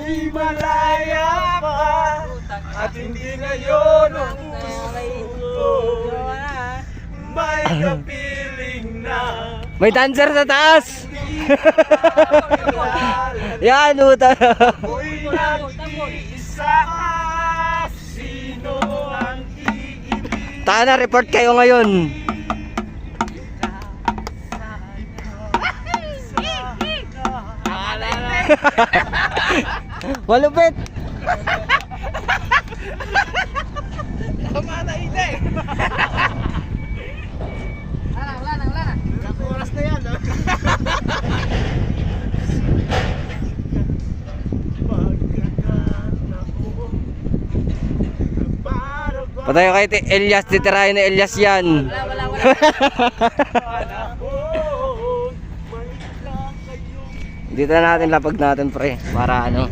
ako'y malaya pa, at hindi ngayon ang puso ko may kapiling na. May dancer sa taas! Yan, uta. Ako'y nag-iisa, sino ang iibig? Tana, report kayo ngayon. Malupit! Tama na hindi! Wala na. Ilang oras na yan, ha? Patayo kay Elias, titirahin na Elias yan. Wala. Dito na natin lapag natin pre, para ano.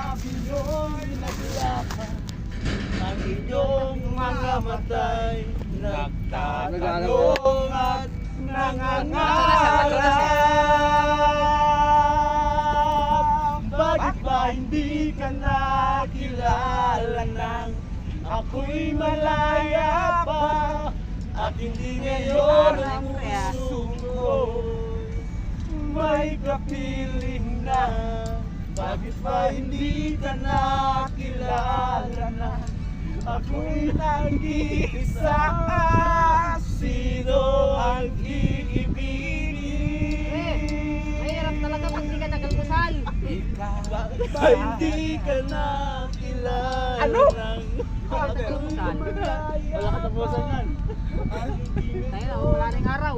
Ang inyong mga matay nagtatanong at nangangarap. Bakit ba hindi ka nakilala nang ako'y malaya pa, at hindi ngayon ang puso ko may kapiling na? Bakit ba hindi ka nakilala na ako'y nag-iisa, sino ang iibigin? Mahirap talaga pag di ka nagalmusal. Bakit ba hindi ka nakilala ng wala ka tapusan yan? Tayo na, wala na yung araw.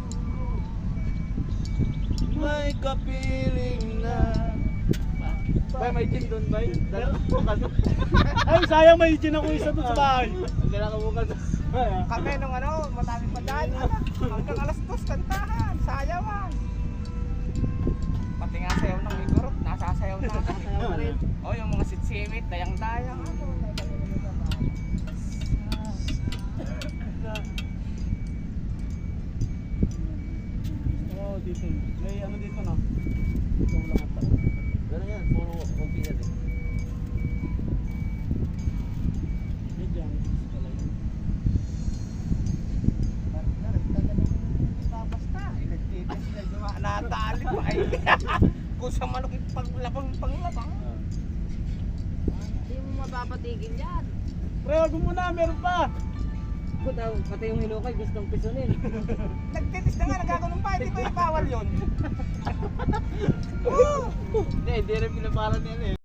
May kapiling na. Bay, may gin doon, bay. Ay, sayang may gin ako isa doon sa bahay. Kailangan mo ka doon. Kami nung mataming pandaan, hanggang alas 2 kantahan, sayawan. Pati nga sayaw ng Igorot, nasasayaw na. Sayaw na rin. O yung mga sitsimit, dayang-dayang. Oo, dito. May ano dito na. Dito mo lang ang tao. Pero yan, puro konti yan eh. Medyan, pala yun. Basta, nagtitis na yung natali pa ay. Kung sa manok panglapang. Hindi mo mapapatigil yan. Pre, wag mo muna, meron pa. Pati yung hinukay gustong pisonin. Nagtitis na nga, nagkakulong pa, hindi ko ibawal yun. Hindi rin pinaparan yan eh.